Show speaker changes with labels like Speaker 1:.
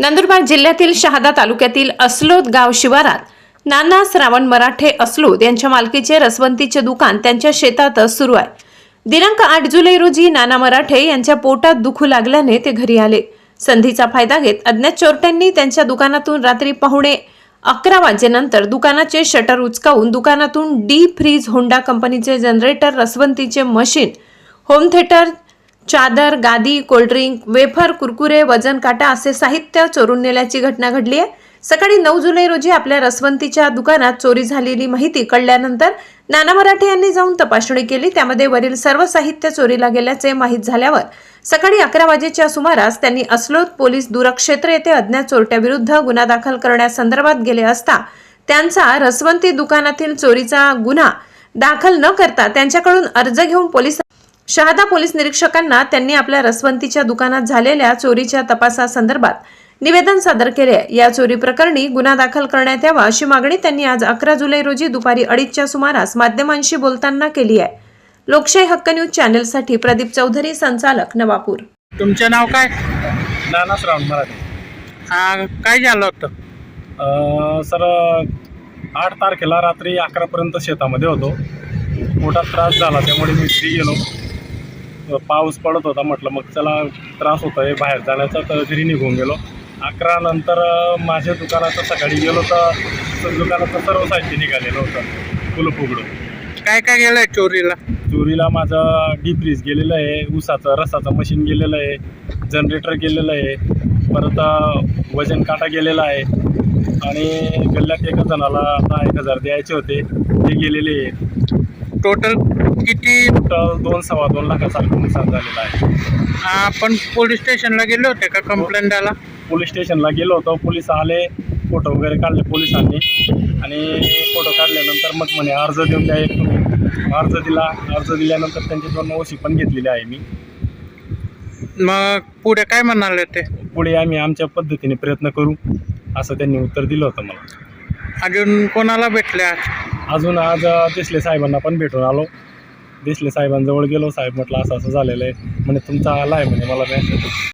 Speaker 1: नंदुरबार जिल्ह्यातील शहादा तालुक्यातील अस्लोद गाव शिवारात नाना श्रावण मराठे अस्लोद यांच्या मालकीचे रसवंतीचे दुकान त्यांच्या शेतातच सुरू आहे. दिनांक 8 जुलै रोजी नाना मराठे यांच्या पोटात दुखू लागल्याने ते घरी आले. संधीचा फायदा घेत अज्ञात चोरट्यांनी त्यांच्या दुकानातून रात्री 11:15 वाजेनंतर दुकानाचे शटर उचकावून दुकानातून deep freeze Honda company generator, रसवंतीचे मशीन, होम थिएटर, चादर, गादी, कोल्ड्रिंक, वेफर, कुरकुरे, वजन काटा असे साहित्य चोरून नेल्याची घटना घडली आहे. सकाळी 9 जुलै रोजी आपल्या रसवंतीच्या दुकानात चोरी झालेली माहिती कळल्यानंतर नाना मराठे यांनी जाऊन तपासणी केली. त्यामध्ये वरील सर्व साहित्य चोरीला गेल्याचे माहीत झाल्यावर सकाळी 11 वाजेच्या सुमारास त्यांनी अस्लोद पोलीस दूरक्षेत्र येथे अज्ञात चोरट्याविरुद्ध गुन्हा दाखल करण्यासंदर्भात गेले असता त्यांचा रसवंती दुकानातील चोरीचा गुन्हा दाखल न करता त्यांच्याकडून अर्ज घेऊन शहादा पोलीस निरीक्षकांना त्यांनी आपल्या रसवंतीच्या दुकानात झालेल्या चोरीच्या तपासासंदर्भात निवेदन सादर केले. या चोरी प्रकरणी गुन्हा दाखल करण्यात यावा अशी मागणी त्यांनी आज 11 जुलै रोजी दुपारी 2:30च्या सुमारास माध्यमांशी बोलताना केली आहे. लोकशाही हक्क न्यूज चॅनलसाठी प्रदीप चौधरी, संचालक, नवापूर.
Speaker 2: तुमचं नाव काय?
Speaker 3: नाना श्रावण मराठे.
Speaker 2: काय झालं होतं?
Speaker 3: सर 8 तारखेला रात्री 11 पर्यंत शेतामध्ये होतो. मोठा त्रास झाला, त्यामुळे मी घरी गेलो. पाऊस पडत होता, म्हटलं मग चला त्रास होता आहे बाहेर जाण्याचा, तर घरी निघून गेलो. 11 नंतर माझ्या दुकानाचं सकाळी गेलो तर दुकानाचं सर्व साहित्य निघालेलं होतं कुलूप उघडून.
Speaker 2: काय काय गेलंय चोरीला?
Speaker 3: चोरीला माझं डीप फ्रीज गेलेलं आहे, ऊसाचं रसाचं मशीन गेलेलं आहे, जनरेटर गेलेलं आहे, परत वजन काटा गेलेला आहे आणि गल्ल्यात एका जणाला 10,000 द्यायचे होते, ते गेलेले आहेत.
Speaker 2: टोटल किती?
Speaker 3: टोटल 2-2.25 लाखासारखं नुकसान झालेलं आहे.
Speaker 2: आपण पोलीस स्टेशनला गेले होते का कंप्लेंट द्यायला?
Speaker 3: पोलीस स्टेशनला गेलो होतो, पोलीस आले, फोटो वगैरे काढले पोलिसांनी आणि फोटो काढल्यानंतर मग म्हणे अर्ज देऊन द्या एक तुम्ही. अर्ज दिला. अर्ज दिल्यानंतर त्यांची 2 ओशी पण घेतलेली आहे मी.
Speaker 2: मग पुढे काय म्हणाले ते?
Speaker 3: पुढे आम्ही आमच्या पद्धतीने प्रयत्न करू असं त्यांनी उत्तर दिलं होतं मला.
Speaker 2: अजून कोणाला भेटले आज?
Speaker 3: अजून आज देसले साहेबांना पण भेटून आलो. देसले साहेबांजवळ गेलो. साहेब म्हटलं असं असं झालेलं आहे म्हणे, तुमचा आला आहे म्हणे मला मेसेज.